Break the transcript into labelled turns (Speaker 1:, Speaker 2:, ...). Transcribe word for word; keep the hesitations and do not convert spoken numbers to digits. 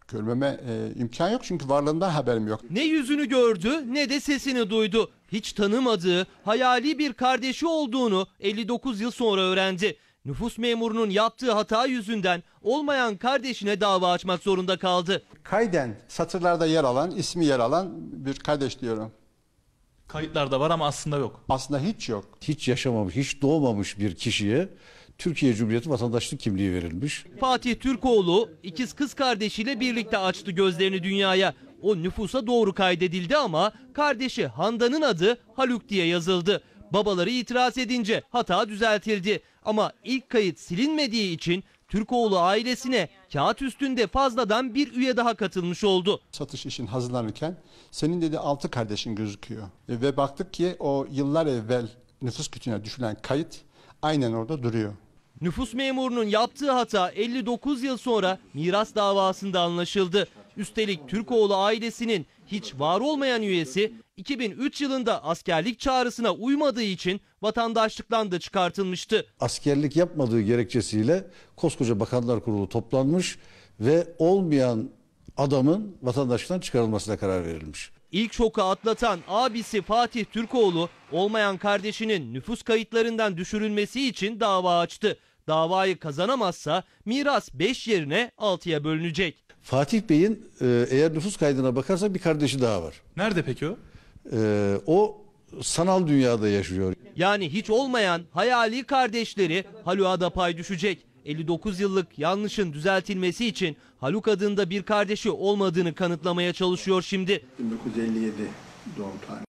Speaker 1: Görmeme e, imkan yok çünkü varlığından haberim yok.
Speaker 2: Ne yüzünü gördü ne de sesini duydu. Hiç tanımadığı hayali bir kardeşi olduğunu elli dokuz yıl sonra öğrendi. Nüfus memurunun yaptığı hata yüzünden olmayan kardeşine dava açmak zorunda kaldı.
Speaker 1: Kayden satırlarda yer alan, ismi yer alan bir kardeş diyorum.
Speaker 3: Kayıtlarda var ama aslında yok.
Speaker 1: Aslında hiç yok.
Speaker 4: Hiç yaşamamış, hiç doğmamış bir kişiye Türkiye Cumhuriyeti vatandaşlık kimliği verilmiş.
Speaker 2: Fatih Türkoğlu ikiz kız kardeşiyle birlikte açtı gözlerini dünyaya. O nüfusa doğru kaydedildi ama kardeşi Handan'ın adı Haluk diye yazıldı. Babaları itiraz edince hata düzeltildi. Ama ilk kayıt silinmediği için Türkoğlu ailesine kağıt üstünde fazladan bir üye daha katılmış oldu.
Speaker 1: Satış için hazırlanırken senin dedi altı kardeşin gözüküyor. E, ve baktık ki o yıllar evvel nüfus kütüğüne düşülen kayıt aynen orada duruyor.
Speaker 2: Nüfus memurunun yaptığı hata elli dokuz yıl sonra miras davasında anlaşıldı. Üstelik Türkoğlu ailesinin hiç var olmayan üyesi iki bin üç yılında askerlik çağrısına uymadığı için vatandaşlıktan da çıkartılmıştı.
Speaker 4: Askerlik yapmadığı gerekçesiyle koskoca Bakanlar Kurulu toplanmış ve olmayan adamın vatandaşlıktan çıkarılmasına karar verilmiş.
Speaker 2: İlk şoku atlatan abisi Fatih Türkoğlu olmayan kardeşinin nüfus kayıtlarından düşürülmesi için dava açtı. Davayı kazanamazsa miras beş yerine altıya bölünecek.
Speaker 4: Fatih Bey'in e, eğer nüfus kaydına bakarsak bir kardeşi daha var.
Speaker 3: Nerede peki o?
Speaker 4: E, o sanal dünyada yaşıyor.
Speaker 2: Yani hiç olmayan hayali kardeşleri Haluk'a da pay düşecek. elli dokuz yıllık yanlışın düzeltilmesi için Haluk adında bir kardeşi olmadığını kanıtlamaya çalışıyor şimdi.
Speaker 1: bin dokuz yüz elli yedi doğum tarihi.